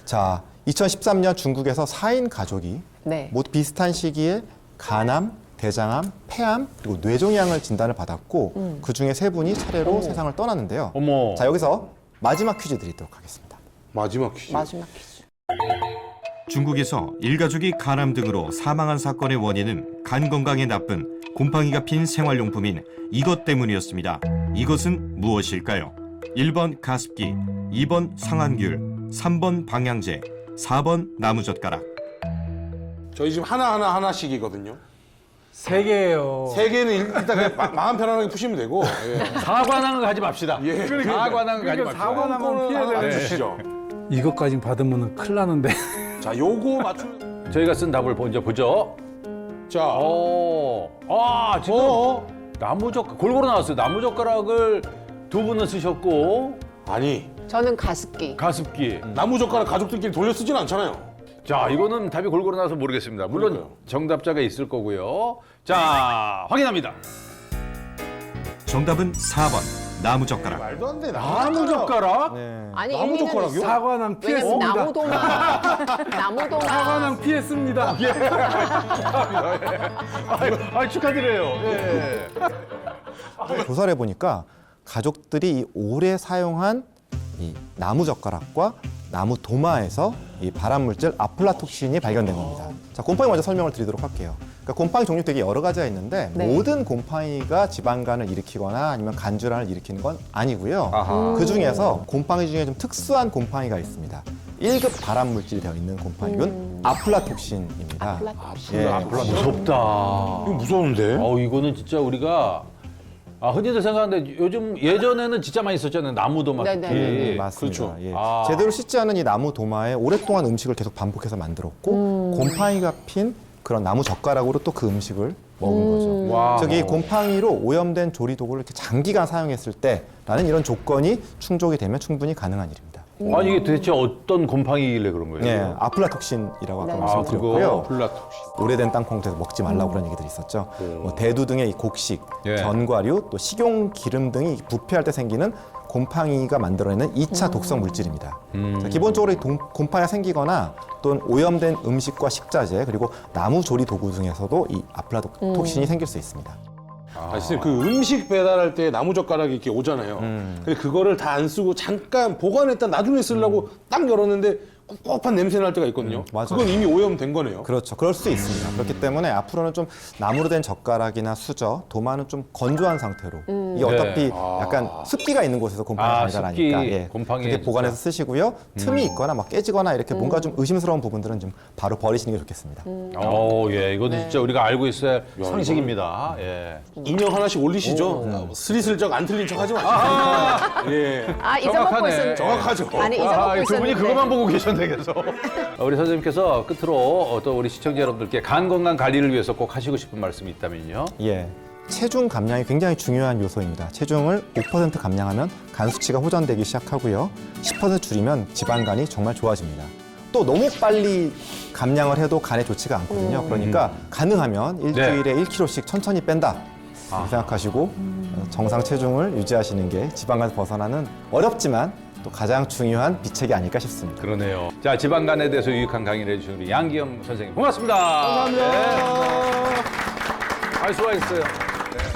자, 2013년 중국에서 4인 가족이 네. 모두 비슷한 시기에 간암, 대장암, 폐암, 그리고 뇌종양을 진단을 받았고 그 중에 3분이 차례로 세상을 떠났는데요. 어머. 자, 여기서 마지막 퀴즈 드리도록 하겠습니다. 마지막 퀴즈. 마지막 퀴즈. 중국에서 일가족이 간암 등으로 사망한 사건의 원인은 간 건강에 나쁜 곰팡이가 핀 생활용품인 이것 때문이었습니다. 이것은 무엇일까요? 1번 가습기, 2번 상한귤, 3번 방향제, 4번 나무젓가락. 저희 집 하나씩이거든요. 3개예요. 3개는 일단 그냥 마음 편안하게 푸시면 되고. 예. 사관왕을 가지 맙시다. 예. 사관왕을 가지 맙시다. 사관왕은 피해야 안 주시죠. 이것까지 받으면 큰일 나는데. 자, 요거 맞추면. 저희가 쓴 답을 먼저 보죠. 자, 지금 골고루 나왔어요. 나무젓가락을 2분은 쓰셨고 아니, 저는 가습기. 가습기. 나무젓가락 가족들끼리 돌려 쓰진 않잖아요. 자, 이거는 답이 골고루 나와서 모르겠습니다. 물론 그러니까요. 정답자가 있을 거고요. 자, 확인합니다. 정답은 4번 나무젓가락. 말도 안 돼. 나무젓가락? 네. 아니 나무젓가락이요? 사관왕 왜냐면 피했습니다. 나무도마. 사관왕 피했습니다. 축하드려요. 예. 조사를 해보니까 가족들이 오래 사용한 이 나무젓가락과 나무 도마에서 이 발암물질 아플라톡신이 발견된 겁니다. 자, 곰팡이 먼저 설명을 드리도록 할게요. 그러니까 곰팡이 종류 되게 여러 가지가 있는데 네. 모든 곰팡이가 지방간을 일으키거나 아니면 간질환을 일으키는 건 아니고요. 아하. 그 중에서 곰팡이 중에 좀 특수한 곰팡이가 있습니다. 1급 발암물질이 되어 있는 곰팡이균 아플라톡신입니다. 예. 무섭다. 이거 무서운데? 이거는 진짜 우리가 흔히들 생각하는데 요즘 예전에는 진짜 많이 썼잖아요. 나무도마. 네네네. 맞습니다. 그렇죠. 예. 아. 제대로 씻지 않은 이 나무 도마에 오랫동안 음식을 계속 반복해서 만들었고 곰팡이가 핀 그런 나무 젓가락으로 또 그 음식을 먹은 거죠. 와. 저기 곰팡이로 오염된 조리 도구를 이렇게 장기간 사용했을 때라는 이런 조건이 충족이 되면 충분히 가능한 일입니다. 아니 이게 도대체 어떤 곰팡이길래 그런 거예요? 예, 아플라톡신이라고 아까 네. 말씀드렸고요. 플라톡신. 오래된 땅콩에서 먹지 말라고 그런 얘기들이 있었죠. 뭐 대두 등의 이 곡식, 예. 견과류, 또 식용 기름 등이 부패할 때 생기는 곰팡이가 만들어내는 2차 독성 물질입니다. 자, 기본적으로 이 곰팡이가 생기거나 또는 오염된 음식과 식자재 그리고 나무 조리 도구 중에서도 이 아플라톡신이 생길 수 있습니다. 선생님, 그 음식 배달할 때 나무젓가락이 이렇게 오잖아요. 근데 그거를 다 안 쓰고 잠깐 보관했다 나중에 쓰려고 딱 열었는데 꿉꿉한 냄새 날 때가 있거든요. 맞아요. 그건 이미 오염된 거네요. 그렇죠. 그럴 수 있습니다. 그렇기 때문에 앞으로는 좀 나무로 된 젓가락이나 수저, 도마는 좀 건조한 상태로 이게 어차피 약간 습기가 있는 곳에서 곰팡이가 발달하니까 습기, 곰팡이 그렇게 보관해서 쓰시고요. 틈이 있거나 막 깨지거나 이렇게 뭔가 좀 의심스러운 부분들은 좀 바로 버리시는 게 좋겠습니다. 이거는 진짜 우리가 알고 있어야 할 상식입니다. 예. 인형 하나씩 올리시죠. 스리슬쩍 안 틀린 척 하지 마시고. 예. 잊어먹고 정확하네. 있었는데. 정확하죠. 아니, 잊어먹고 두 분이 있었는데. 그것만 보고 계셨네 계속. 우리 선생님께서 끝으로 또 우리 시청자 여러분들께 간 건강 관리를 위해서 꼭 하시고 싶은 말씀이 있다면요. 예. 체중 감량이 굉장히 중요한 요소입니다. 체중을 5% 감량하면 간 수치가 호전되기 시작하고요. 10% 줄이면 지방간이 정말 좋아집니다. 또 너무 빨리 감량을 해도 간에 좋지가 않거든요. 그러니까 가능하면 일주일에 1kg씩 천천히 뺀다. 이렇게 생각하시고 정상 체중을 유지하시는 게 지방간에서 벗어나는 어렵지만 또 가장 중요한 비책이 아닐까 싶습니다. 그러네요. 자, 지방간에 대해서 유익한 강의를 해주신 우리 양기영 선생님 고맙습니다. 감사합니다. 수고하셨어요.